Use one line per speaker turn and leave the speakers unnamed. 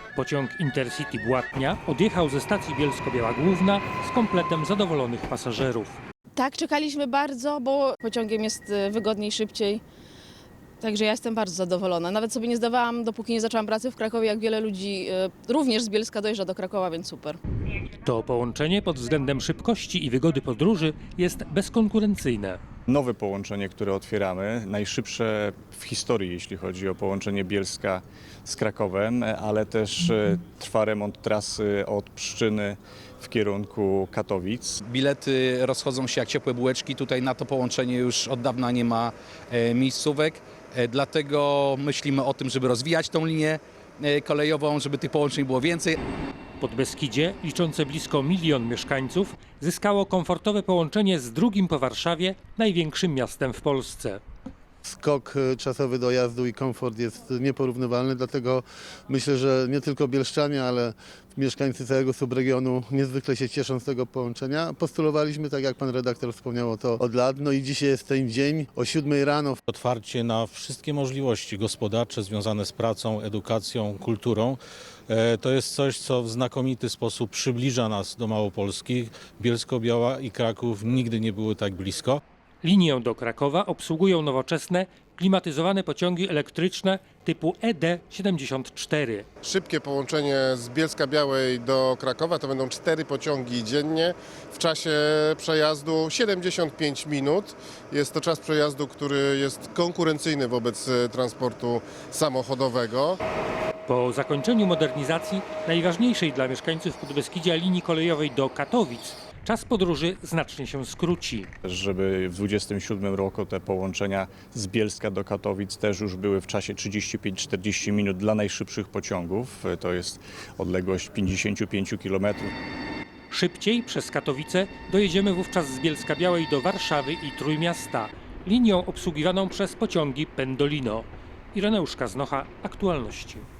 Pociąg Intercity Błatnia odjechał ze stacji Bielsko-Biała Główna z kompletem zadowolonych pasażerów.
Tak, czekaliśmy bardzo, bo pociągiem jest wygodniej, szybciej. Także ja jestem bardzo zadowolona. Nawet sobie nie zdawałam, dopóki nie zaczęłam pracy w Krakowie, jak wiele ludzi również z Bielska dojeżdża do Krakowa, więc super.
To połączenie pod względem szybkości i wygody podróży jest bezkonkurencyjne.
Nowe połączenie, które otwieramy, najszybsze w historii, jeśli chodzi o połączenie Bielska z Krakowem, ale też trwa remont trasy od Pszczyny w kierunku Katowic.
Bilety rozchodzą się jak ciepłe bułeczki. Tutaj na to połączenie już od dawna nie ma miejscówek. Dlatego myślimy o tym, żeby rozwijać tą linię kolejową, żeby tych połączeń było więcej.
Podbeskidzie, liczące blisko 1 milion mieszkańców, zyskało komfortowe połączenie z drugim po Warszawie największym miastem w Polsce.
Skok czasowy dojazdu i komfort jest nieporównywalny, dlatego myślę, że nie tylko bielszczanie, ale mieszkańcy całego subregionu niezwykle się cieszą z tego połączenia. Postulowaliśmy, tak jak pan redaktor wspomniał, to od lat, no i dzisiaj jest ten dzień o 7 rano.
Otwarcie na wszystkie możliwości gospodarcze związane z pracą, edukacją, kulturą. To jest coś, co w znakomity sposób przybliża nas do Małopolski. Bielsko-Biała i Kraków nigdy nie były tak blisko.
Linię do Krakowa obsługują nowoczesne, klimatyzowane pociągi elektryczne typu ED74.
Szybkie połączenie z Bielska-Białej do Krakowa to będą 4 pociągi dziennie. W czasie przejazdu 75 minut. Jest to czas przejazdu, który jest konkurencyjny wobec transportu samochodowego.
Po zakończeniu modernizacji najważniejszej dla mieszkańców Podbeskidzia linii kolejowej do Katowic czas podróży znacznie się skróci.
Żeby w 2027 roku te połączenia z Bielska do Katowic też już były w czasie 35-40 minut dla najszybszych pociągów. To jest odległość 55 km.
Szybciej przez Katowice dojedziemy wówczas z Bielska-Białej do Warszawy i Trójmiasta, linią obsługiwaną przez pociągi Pendolino. Ireneusz Kaznocha, Aktualności.